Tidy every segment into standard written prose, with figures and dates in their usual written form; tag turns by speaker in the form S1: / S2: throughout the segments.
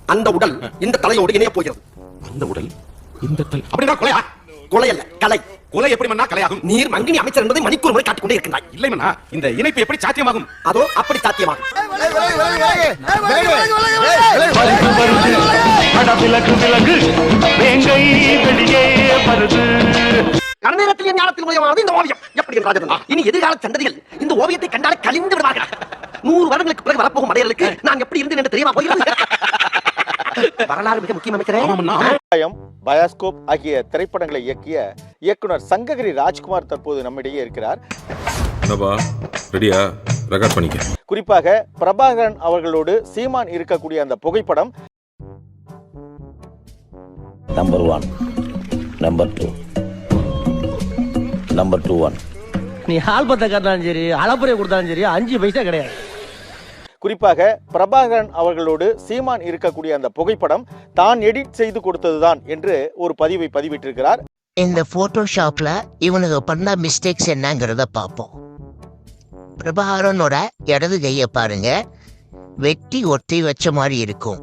S1: அந்த உடல் இந்த தலையோடு இணைய போகிறது.
S2: அந்த உடல் இந்த தலை
S1: அப்படின்னா கொலையா? கொலை அல்ல, கலை.
S2: கொலை எப்படி மன்னா கலையாகும்?
S1: நீர் மங்கினி அமைச்சர் என்பதை மணிக்கூர் முறை காட்டிக் கொண்டே இருக்கின்றாய்.
S2: இல்லை மன்னா, இந்த இணைப்பு எப்படி சாத்தியமாகும்?
S1: அதோ அப்படி சாத்தியமாகும். கணநேரத்தில் ஞானத்தில் உதயமானது இந்த ஓவியம். எப்படி ராஜதன், இனி எதிர்கால சந்ததிகள் இந்த ஓவியத்தை கண்டாலே கலிந்து விடுவார்கள். 100 வருடங்களுக்கு பிறகு வரப்போகும் மடையர்களுக்கு நான் எப்படி இருந்தேன் என்று தெரியுமா போகிறது? வரலாறு மிக முக்கியம் அமைச்சரே.
S3: பயாஸ்கோப் ஆகிய திரைப்படங்களை இயக்கிய இயக்குனர் சங்ககிரி ராஜ்குமார் தற்போது நம்மிடையே இருக்கிறார். குறிப்பாக பிரபாகரன் அவர்களோடு சீமான் இருக்கக்கூடிய அந்த புகைப்படம்
S4: நம்பர் 1, நம்பர் 2, நம்பர் 2-1.
S5: நீ ஆல்பத்தை காட்டினாலும் சரி, அளப்புறையை கொடுத்தாலும் சரி, 5 பைசா கிடையாது.
S3: குறிப்பாக பிரபாகரன் அவர்களோடு சீமான் இருக்கக்கூடிய அந்த புகைப்படம் தான் எடிட் செய்து கொடுத்ததுதான் என்று ஒரு பதிவை பதிவிட்டிருக்கிறார்.
S6: இந்த போட்டோஷாப்ல இவனுக்கு பண்ண மிஸ்டேக்ஸ் என்னங்கிறத பார்ப்போம். பிரபாகரனோட இடது கையை பாருங்க, வெட்டி ஒட்டி வச்ச மாதிரி இருக்கும்.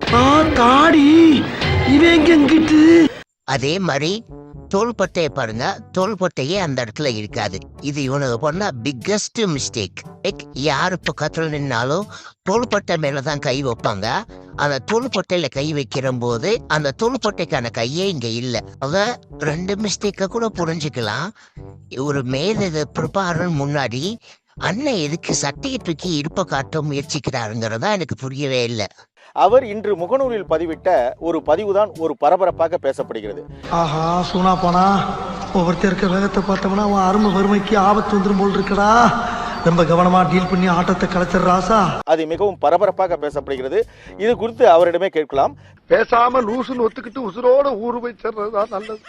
S6: அதே மாதிரி தோள்பட்டையை பாருங்க, தோள்பட்டையே அந்த இடத்துல இருக்காது. இது இவனுக்கு பண்ண பிக்கஸ்ட் மிஸ்டேக். யாரு பக்கத்துல நின்னாலும் தோள்பட்டை மேலதான் கை வைப்பாங்க. அந்த தோள்பட்டையில கை வைக்கிற போது அந்த தோள்பட்டைக்கான கையே இங்க இல்லை. அத 2 மிஸ்டேக்க கூட புரிஞ்சுக்கலாம். ஒரு மேல பிரபாகரன் முன்னாடி அண்ணன் எதுக்கு சட்டையை தூக்கி இடுப்ப காட்ட முயற்சிக்கிறாருங்கிறதா எனக்கு புரியவே இல்லை.
S3: அவர் இன்று முகநூலில் பதிவிட்ட ஒரு பதிவுதான் ஒரு பரபரப்பாக பேசப்படுகிறது.
S7: ஆஹா, சூனா போனா ஒவ்வொருத்தர் இருக்க வேகத்தை பார்த்தோம்னா அவன் அருமை வறுமைக்கு ஆபத்து வந்துடும் போல் இருக்கடா. ரொம்ப கவனமா டீல் பண்ணி ஆட்டத்தை கலைச்சிடுறாசா.
S3: அது மிகவும் பரபரப்பாக பேசப்படுகிறது. இது குறித்து அவரிடமே கேட்கலாம்.
S7: பேசாம லூசுன்னு ஒத்துக்கிட்டு உசுரோட ஊரு போய் சேர்றதுதான் நல்லது.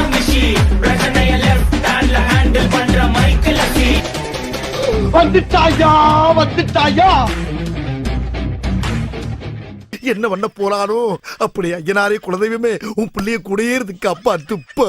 S7: வந்துட்டாயா வந்துட்டாயா, என்ன பண்ண போறானோ அப்படி ஐயனாரே குலதெய்வமே உன் பிள்ளைய குடியேறதுக்கு அப்பா துப்ப.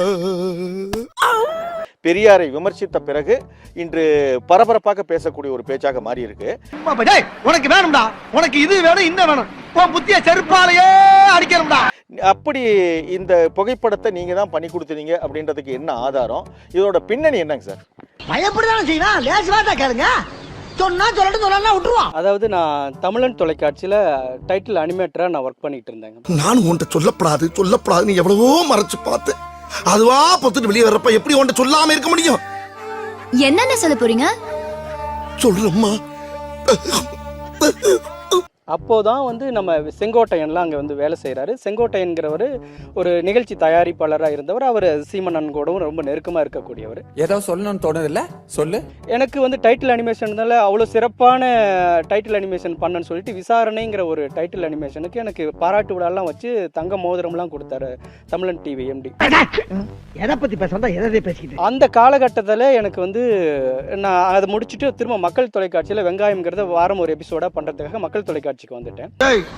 S3: பெரியாரை விமர்சித்த பிறகு இன்று பரபரப்பாக பேசக்கூடிய ஒரு பேச்சாக மாறி இருக்கு.
S7: உனக்கு வேணும்டா, உனக்கு இது வேணும் இன்னும் வேணும், உன் புத்திய செருப்பாலேயே அடிக்கணும்டா.
S3: அப்படி இந்த புகைப்படத்தை நீங்க தான் பண்ணி கொடுத்தீங்க அப்படின்றதுக்கு என்ன ஆதாரம்? இதோட பின்னணி என்னங்க சார்?
S7: பயப்படதான் செய்யணும், லேசுவாதா கேளுங்க. சொன்னா சொல்லட்டும், சொல்லலாம் விட்டுருவான்.
S8: அதாவது நான் தமிழன் தொலைக்காட்சியில டைட்டில் அனிமேட்டரா நான் ஒர்க் பண்ணிட்டு இருந்தேங்க.
S7: நான் உன்கிட்ட சொல்லப்படாது நீ எவ்வளவோ மறைச்சு பார்த்து அதுவா பொத்துட்டு வெளியே வர்றப்ப எப்படி உன்கிட்ட சொல்லாம இருக்க முடியும்?
S9: என்னென்ன சொல்ல போறீங்க?
S7: சொல்றம்மா.
S8: அப்போதான் வந்து நம்ம செங்கோட்டையன்லாம் அங்கே வந்து வேலை செய்கிறாரு. செங்கோட்டையன்கிறவர் ஒரு நிகழ்ச்சி தயாரிப்பாளராக இருந்தவர். அவர் சீமனன் கூடவும் ரொம்ப நெருக்கமாக இருக்கக்கூடியவர்.
S10: ஏதோ சொல்லணும்னு தோணுதில்ல, சொல்லு.
S8: எனக்கு வந்து டைட்டில் அனிமேஷன்னால அவ்வளோ சிறப்பான டைட்டில் அனிமேஷன் பண்ணன்னு சொல்லிட்டு விசாரணைங்கிற ஒரு டைட்டில் அனிமேஷனுக்கு எனக்கு பாராட்டு விழாலாம் வச்சு தங்க மோதிரம்லாம் கொடுத்தாரு தமிழன் டிவி எம்டி.
S5: எதை பற்றி பேசுறதா எதை பேசிக்கிட்டு
S8: அந்த காலகட்டத்தில் எனக்கு வந்து நான் அதை முடிச்சுட்டு திரும்ப மக்கள் தொலைக்காட்சியில் வெங்காயம்ங்கிறத வாரம் ஒரு எபிசோடாக பண்ணுறதுக்காக மக்கள் தொலைக்காட்சி வந்துட்டேன்.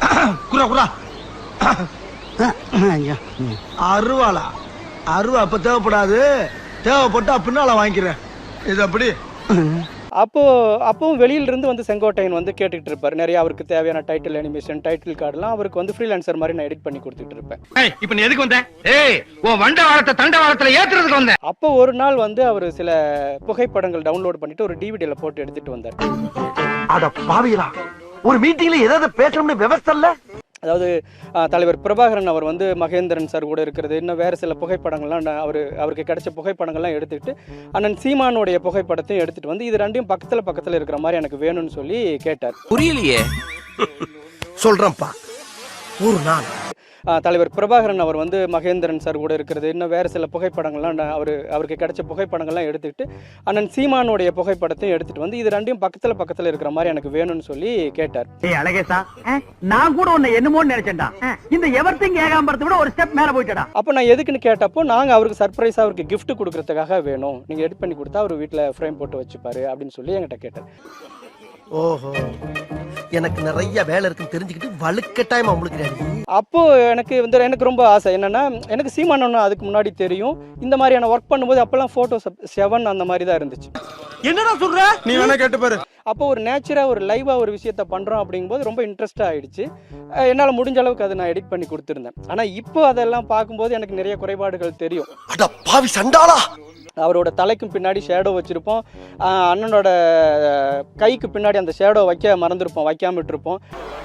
S7: அருவாளா? அருவா அப்ப தேவைப்படாது, தேவைப்பட்டா பின்னால வாங்கிக்கிறேன். இது அப்படி.
S8: அப்பவும் வெளியிலிருந்து வந்து செங்கோட்டையன் வந்து கேட்டுக்கிட்டு இருப்பார். நிறைய அவருக்கு தேவையான டைட்டில் அனிமேஷன், டைட்டில் கார்டுலாம் அவருக்கு வந்து ஃப்ரீலான்சர் மாதிரி நான் எடிட் பண்ணி கொடுத்துட்டு இருப்பேன்.
S5: இப்போ நீ எதுக்கு வந்த? உன் வண்டவாளத்தை தண்டவாளத்துல ஏத்துறதுக்கு வந்த.
S8: அப்போ ஒரு நாள் வந்து அவர் சில புகைப்படங்கள் டவுன்லோட் பண்ணிட்டு ஒரு டிவிடியில போட்டு எடுத்துட்டு வந்தார்.
S7: அட பாவிகளா, ஒரு மீட்டிங்ல ஏதாவது பேசணும்னு விவசாய இல்ல.
S8: அதாவது தலைவர் பிரபாகரன் அவர் வந்து மகேந்திரன் சார் கூட இருக்கிறது, இன்னும் வேறு சில புகைப்படங்கள்லாம் அவருக்கு கிடைச்ச புகைப்படங்கள்லாம் எடுத்துக்கிட்டு அண்ணன் சீமானுடைய புகைப்படத்தையும் எடுத்துகிட்டு வந்து இது ரெண்டையும் பக்கத்தில் இருக்கிற மாதிரி எனக்கு வேணும்னு சொல்லி கேட்டார்.
S10: புரியலையே.
S7: சொல்றேன்ப்பா. ஒரு நாள்
S8: தலைவர் பிரபாகரன் அவர் வந்து மகேந்திரன் சார் கூட இருக்கிறது, இன்னும் வேறு சில புகைப்படங்கள்லாம் அவருக்கு கிடைச்ச புகைப்படங்கள்லாம் எடுத்துக்கிட்டு அண்ணன் சீமானுடைய புகைப்படத்தையும் எடுத்துகிட்டு வந்து இது ரெண்டையும் பக்கத்தில் இருக்கிற மாதிரி எனக்கு வேணும்னு சொல்லி கேட்டார்.
S5: அழகேசா, நான் கூட உன்னை என்னமோன்னு நினைச்சேன்டா. இந்த எவர்த்திங் ஏகாம்பரத்தை விட ஒரு ஸ்டெப் மேல போயிட்டடா.
S8: அப்போ நான் எதுக்குன்னு கேட்டப்போ நாங்கள் அவருக்கு சர்ப்ரைஸாக அவருக்கு கிஃப்ட் கொடுக்கறதுக்காக வேணும், நீங்கள் எடிட் பண்ணி கொடுத்தா அவர் வீட்டில் ஃப்ரேம் போட்டு வச்சுப்பாரு அப்படின்னு சொல்லி என்கிட்ட கேட்டார்.
S1: ஓஹோ, எனக்கு நிறைய வேலை இருக்குன்னு தெரிஞ்சுக்கிட்டு வலுக்கட்டாயமா உங்களுக்கு.
S8: அப்போ எனக்கு ரொம்ப ஆசை என்னன்னா, எனக்கு சீமானன்னு அதுக்கு முன்னாடி தெரியும். இந்த மாதிரியான ஒர்க் பண்ணும்போது அப்பெல்லாம் போட்டோஸ் 7 அந்த மாதிரி தான் இருந்துச்சு.
S1: என்னடா சொல்ற?
S10: நீ வேணா கேட்டு பாரு.
S8: அப்போ ஒரு நேச்சராக ஒரு லைவாக ஒரு விஷயத்த பண்ணுறோம் அப்படிங்கும்போது ரொம்ப இன்ட்ரெஸ்டாக ஆகிடுச்சு. என்னால் முடிஞ்ச அளவுக்கு அதை நான் எடிட் பண்ணி கொடுத்துருந்தேன். ஆனால் இப்போ அதெல்லாம் பார்க்கும்போது எனக்கு நிறைய குறைபாடுகள் தெரியும்.
S1: அட பாவி சண்டாளா!
S8: அவரோட தலைக்கும் பின்னாடி ஷேடோ வச்சுருப்போம். அண்ணனோட கைக்கு பின்னாடி அந்த ஷேடோ மறந்துருப்போம், வைக்காம விட்டுருப்போம்.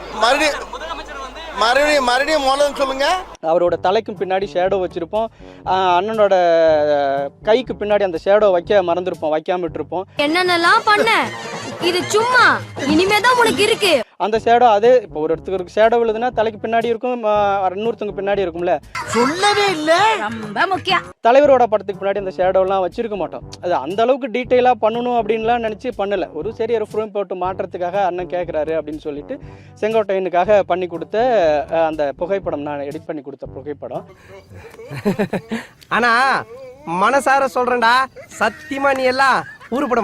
S1: மறுபடியும் மூலம் சொல்லுங்க.
S8: அவரோட தலைக்கும் பின்னாடி ஷேடோ வச்சுருப்போம். அண்ணனோட கைக்கு பின்னாடி அந்த ஷேடோ மறந்துருப்போம், வைக்காம விட்டுருப்போம்.
S9: என்னென்னலாம் பண்ண, இது சும்மா இனிமேதான் உனக்கு இருக்கு.
S8: அந்த ஷேடோ அதே இப்போ ஒரு இடத்துக்கு ஷேடோ விழுதுன்னா தலைக்கு பின்னாடி இருக்கும், இன்னொருத்தவங்க பின்னாடி இருக்கும்ல.
S1: சொல்லவே இல்ல.
S9: ரொம்ப முக்கியம்.
S8: தலைவரோட படத்துக்கு பின்னாடி அந்த ஷேடோலாம் வச்சிருக்க மாட்டோம். அது அந்த அளவுக்கு டீட்டெயிலாக பண்ணணும் அப்படின்லாம் நினச்சி பண்ணலை. சரி ஒரு ஃப்ரேம் போட்டு மாற்றத்துக்காக அண்ணன் கேட்குறாரு அப்படின்னு சொல்லிட்டு செங்கோட்டையனுக்காக பண்ணி கொடுத்த அந்த புகைப்படம், நான் எடிட் பண்ணி கொடுத்த புகைப்படம்.
S5: ஆனா மனசார சொல்றேன்டா, சத்தியமா நீ எல்லாம் உருப்பட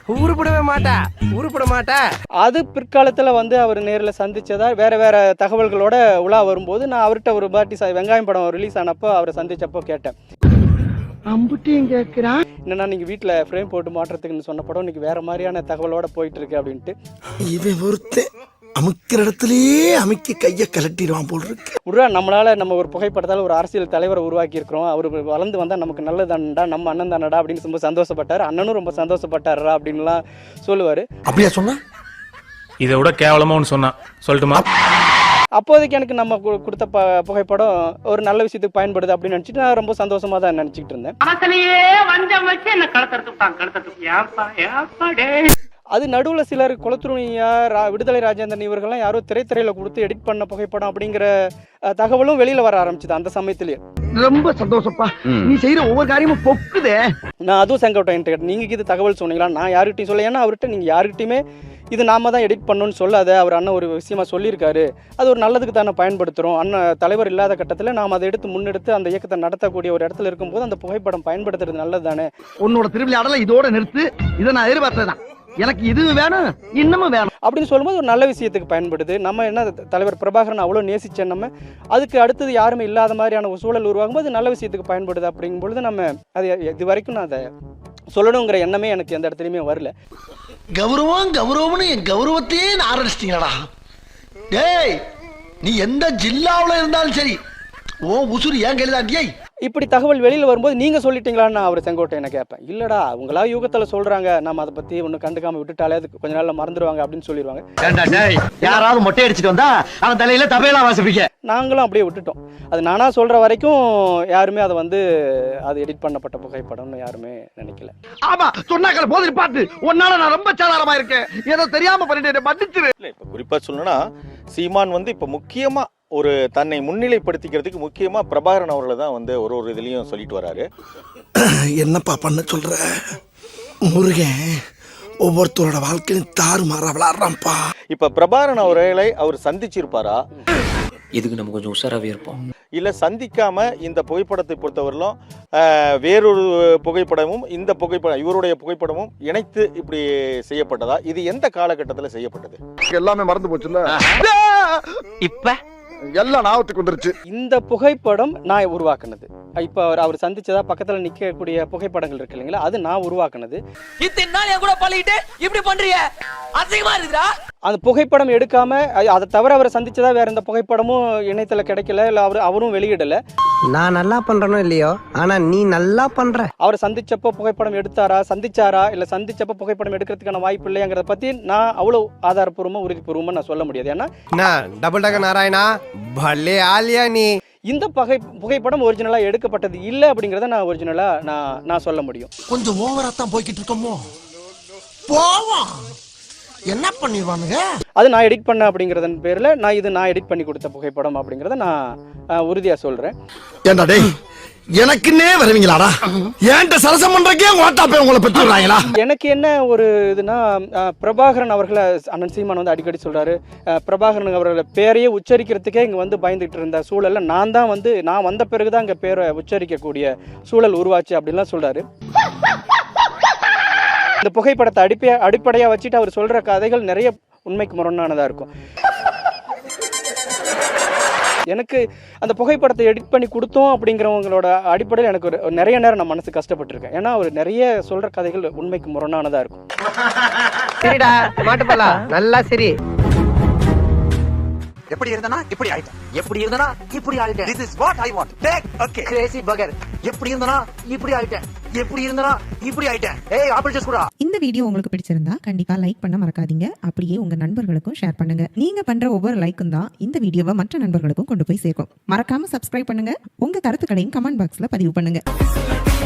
S5: மாட்ட.
S8: அது பிற்காலத்தில் அவர் நேரில் சந்திச்சதா வேற தகவல்களோட உலா வரும்போது நான் அவர்கிட்ட ஒரு பாட்டி வெங்காயம் படம் ரிலீஸ் ஆனப்போ அவரை சந்திச்சப்போ கேட்டேன்,
S5: அம்புட்டியும் கேட்கிறான்,
S8: என்னன்னா நீங்க வீட்டில் ஃப்ரேம் போட்டு மாற்றத்துக்குன்னு சொன்ன படம் இன்னைக்கு வேற மாதிரியான தகவலோட போயிட்டு இருக்கு அப்படின்ட்டு.
S7: இவன் ஒருத்தன் அமுக்கிற இடத்துலயே அமுக்கி கையை கலட்டிடுவான் போல் இருக்கு.
S8: நம்மளால நம்ம ஒரு புகைப்படத்தால் ஒரு அரசியல் தலைவரை உருவாக்கி இருக்கிறோம், அவர் வளர்ந்து வந்தா நமக்கு நல்லதானடா, நம்ம அண்ணன் தானடா அப்படின்னு ரொம்ப சந்தோஷப்பட்டாரு. அண்ணனும் ரொம்ப சந்தோஷப்பட்டாரா அப்படின்லாம் சொல்லுவாரு.
S7: அப்படியா சொன்னா?
S2: இதை விட கேவலமா ஒன்று சொன்னா சொல்லட்டுமா?
S8: அப்போதைக்கு எனக்கு நம்ம கொடுத்த புகைப்படம் ஒரு நல்ல விஷயத்துக்கு பயன்படுது அப்படின்னு நினைச்சிட்டு நான் ரொம்ப சந்தோஷமா தான் நினைச்சிட்டு இருந்தேன். அது நடுவில் சிலர் குலத்துருணியா, விடுதலை ராஜேந்திரன் இவர்கள்லாம் யாரோ திரைத்துறையில கொடுத்து எடிட் பண்ண புகைப்படம் அப்படிங்கிற தகவலும் வெளியில வர ஆரம்பிச்சுது அந்த சமயத்திலேயே.
S5: ரொம்ப சந்தோஷப்பா, நீ செய்யற ஒவ்வொரு காரியமும் பொக்குதே.
S8: நான் அதுவும் செங்கோட்டையன் கேட்டேன், நீங்க இது தகவல் சொன்னீங்களா? நான் யாருக்கிட்டையும் சொல்ல, ஏன்னா அவர்கிட்ட நீங்க யாருக்கிட்டையுமே இது நாம தான் எடிட் பண்ணணும்னு சொல்லாத, அவர் அண்ணன் ஒரு விஷயமா சொல்லியிருக்காரு, அது ஒரு நல்லதுக்கு தானே பயன்படுத்துகிறோம். அண்ணன் தலைவர் இல்லாத கட்டத்தில் நாம் அதை முன்னெடுத்து அந்த இயக்கத்தை நடத்தக்கூடிய ஒரு இடத்துல இருக்கும்போது அந்த புகைப்படம் பயன்படுத்துறது நல்லது தானே.
S5: உன்னோட திருவிளையாடல இதோட நிறுத்து, இதை நான் எதிர்பார்த்ததான், எனக்கு இது வேணும் இன்னமும் வேணும்
S8: அப்படின்னு சொல்லும்போது ஒரு நல்ல விஷயத்துக்கு பயன்படுது. நம்ம என்ன தலைவர் பிரபாகரன் அவ்வளோ நேசிச்சேன், நம்ம அதுக்கு அடுத்தது யாருமே இல்லாத மாதிரியான ஒரு சூழல் உருவாகும் போது நல்ல விஷயத்துக்கு பயன்படுது. அப்படிங்கும் பொழுது நம்ம அது இது வரைக்கும் நான் அதை சொல்லணுங்கிற எண்ணமே எனக்கு எந்த இடத்துலையுமே வரல.
S7: கௌரவம்னு என் கௌரவத்தையே ஆரம்பிச்சிட்டீங்களா? டேய், நீ எந்த ஜில்லாவில் இருந்தாலும் சரி, ஓ உசுறு ஏன் கையில்தாண்டியே.
S8: இப்படி தகவல் வெளியில் வரும்போது நீங்கள் சொல்லிட்டீங்களான்னு நான் அவர் செங்கோட்டையனை கேட்பேன். இல்லைடா, அவங்களா யூகத்தில் சொல்கிறாங்க, நம்ம அதை பற்றி ஒன்றும் கண்டுக்காமல் விட்டுட்டாலே அதுக்கு கொஞ்ச நாளில் மறந்துடுவாங்க அப்படின்னு சொல்லிடுவாங்க.
S5: யாராவது மொட்டை அடிச்சுட்டு வந்தா அவன் தலையில தபையெல்லாம் வாசிப்பீங்க.
S8: நாங்களும் அப்படியே விட்டுட்டோம். அது நானாக சொல்கிற வரைக்கும் யாருமே அதை அது எடிட் பண்ணப்பட்ட புகைப்படம்னு யாருமே நினைக்கல.
S5: ஆமா சொன்னாக்கல போது பாத்து உன்னால நான் ரொம்ப சாதாரணமா இருக்கேன், ஏதோ தெரியாம பண்ணிட்டு மன்னிச்சிரு.
S3: இப்ப குறிப்பா சொல்லணும்னா சீமான் இப்ப முக்கியமா ஒரு தன்னை முன்னிலைப்படுத்திக்கிறதுக்கு முக்கியமா பிரபாகரன் அவர்களை தான் ஒரு இதுலயும் சொல்லிட்டு வராரு.
S7: என்னப்பா பண்ண சொல்ற? முருகன் ஒவ்வொருத்தரோட வாழ்க்கையும் தாறுமாறா விளையாடுறான்ப்பா.
S3: இப்ப பிரபாகரன் அவர்களை அவர் சந்திச்சிருப்பாரா?
S4: இதுக்கு நம்ம கொஞ்சம் உஷாராகவே இருப்போம்.
S3: இல்லை சந்திக்காம இந்த புகைப்படத்தை பொறுத்தவரையிலும் வேறொரு புகைப்படமும் இந்த புகைப்படம் இவருடைய புகைப்படமும் இணைத்து இப்படி செய்யப்பட்டதா? இது எந்த காலகட்டத்தில் செய்யப்பட்டது?
S11: எல்லாமே மறந்து போச்சுல்ல,
S5: இப்ப
S11: எல்லாம் ஞாபகத்துக்கு வந்துருச்சு.
S8: இந்த புகைப்படம் நான் உருவாக்குனது. இப்ப அவர் சந்திச்சதா பக்கத்துல நிக்கக்கூடிய புகைப்படங்கள் இருக்கு இல்லைங்களா, அது நான் உருவாக்குனது.
S5: இத்தனை நாள் என் கூட பழகிட்டு இப்படி பண்றீங்க, அசிங்கமா இருக்குடா.
S8: அந்த புகைப்படம் எடுக்காம அதை தவிர அவரை சந்திச்சதா வேற எந்த புகைப்படமும் இணையத்துல கிடைக்கல, இல்ல அவரும் வெளியிடல.
S5: நான் நல்லா பண்றனோ இல்லையோ, ஆனா நீ நல்லா பண்ற.
S8: அவரை சந்திச்சப்போ புகைப்படம் சந்திச்சாரா இல்ல சந்திச்சப்போ புகைப்படம் எடுக்கிறதுக்கான வாய்ப்பு இல்லைங்கிறத பத்தி நான் அவ்வளவு ஆதாரப்பூர்வமா உறுதிப்பூர்வமா நான் சொல்ல முடியாது. ஏன்னா
S5: டபுள் டக்க நாராயணா பல்லே ஆலியா நீ
S8: இந்த புகைப்படம் ஒரிஜினலா எடுக்கப்பட்டது இல்ல அப்படிங்கறத நான் ஒரிஜினலா நான் சொல்ல முடியும்.
S7: கொஞ்சம் ஓவரா தான் போய்கிட்டு இருக்கோமோ, போவோம் என்ன பண்ணிடுவானுங்க.
S8: அது நான் எடிட் பண்ண அப்படிங்கறதன் பேர்ல நான் எடிட் பண்ணி கொடுத்த புகைப்படம் அப்படிங்கறத நான் உறுதியா சொல்றேன்.
S7: ஏண்டா டேய், எனக்குன்னே வருவீங்களாடா? ஏன்ட்ட சரசம் பண்றக்கே ஓட்டாப்பே உங்களை பெற்றுறாங்களா?
S8: எனக்கு என்ன ஒரு இதுனா, பிரபாகரன் அவர்களை அண்ணன் சீமான் அடிக்கடி சொல்றாரு, பிரபாகரன் அவர்களை பேரையே உச்சரிக்கிறதுக்கே இங்க பயந்துட்டு இருந்த சூழல்ல நான் வந்த பிறகுதான் இங்க பேரை உச்சரிக்கக்கூடிய சூழல் உருவாச்சு அப்படின்லாம் சொல்றாரு. இந்த புகைப்படத்தை அடிப்படையா வச்சுட்டு அவர் சொல்ற கதைகள் நிறைய உண்மைக்கு முரணானதா இருக்கும். எனக்கு அந்த புகைப்படத்தை எடிட் பண்ணி கொடுத்தோம் அப்படிங்கிறவங்களோட அடிப்படையில் எனக்கு ஒரு நிறைய நேரம் நான் மனசு கஷ்டப்பட்டிருக்கேன். ஏன்னா அவர் நிறைய சொல்கிற கதைகள் உண்மைக்கு முரணானதாக இருக்கும்.
S5: சரிடா மாட்டுப்பலா நல்லா சரி.
S1: எப்படி இருந்தனா இப்படி ஆயிட்டேன், எப்படி இருந்தனா இப்படி ஆயிட்டேன். This is what I want. Take okay. Crazy burger. எப்படி இருந்தனா இப்படி ஆயிட்டேன், எப்படி இருந்தனா இப்படி ஆயிட்டேன். ஏய் ஆப்பிள் ஜூஸ் குடா.
S12: இந்த வீடியோ உங்களுக்கு பிடிச்சிருந்தா கண்டிப்பா லைக் பண்ண மறக்காதீங்க. அப்படியே உங்க நண்பர்களுக்கும் ஷேர் பண்ணுங்க. நீங்க பண்ற ஒவ்வொரு லைக்கும் தான் இந்த வீடியோவை மற்ற நண்பர்களுக்கும் கொண்டு போய் சேர்க்கும். மறக்காம சப்ஸ்கிரைப் பண்ணுங்க. உங்க கருத்துக்களையும் கமெண்ட் பாக்ஸ்ல பதிவு பண்ணுங்க.